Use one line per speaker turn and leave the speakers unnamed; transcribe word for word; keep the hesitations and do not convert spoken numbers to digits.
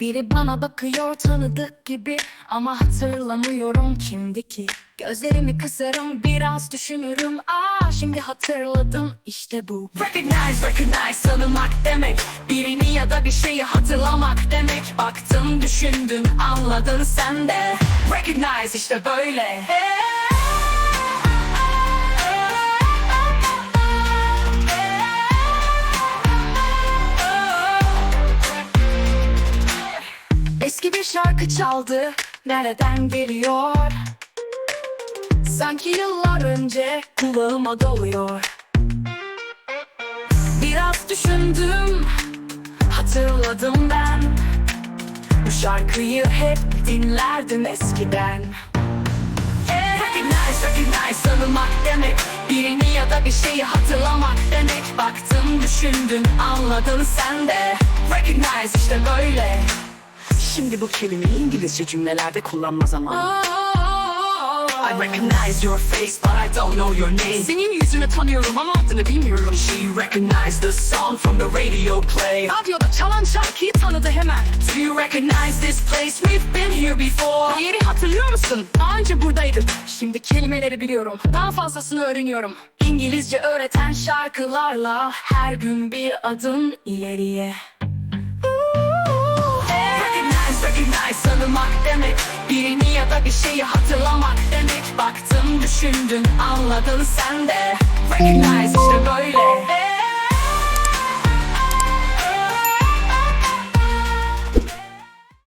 Biri bana bakıyor tanıdık gibi, ama hatırlamıyorum kimdi ki. Gözlerimi kısarım, biraz düşünürüm. Aa, şimdi hatırladım, işte bu. Recognize, recognize, tanımak demek. Birini ya da bir şeyi hatırlamak demek. Baktın, düşündün, anladın sen de. Recognize, işte böyle. Eski bir şarkı çaldı, nereden geliyor? Sanki yıllar önce kulağıma doluyor. Biraz düşündüm, hatırladım ben. Bu şarkıyı hep dinlerdim eskiden. Recognize, recognize, tanımak demek. Birini ya da bir şeyi hatırlamak demek. Baktın, düşündün, anladın sen de. Recognize, işte böyle.
Şimdi bu kelimeyi İngilizce cümlelerde kullanma zamanı. I recognize your face but I don't know your name.
Senin yüzünü tanıyorum ama adını bilmiyorum.
She recognized the song from the radio play.
Radyoda çalan şarkıyı tanıdı hemen.
Do you recognize this place? We've been here before.
Bu yeri hatırlıyor musun? Daha önce buradaydım. Şimdi kelimeleri biliyorum. Daha fazlasını öğreniyorum. İngilizce öğreten şarkılarla her gün bir adım ileriye.
Recognize, recognize, tanımak demek.
Birini ya da bir şeyi hatırlamak demek. Baktın, düşündün, anladın sen de.
Recognize, işte böyle.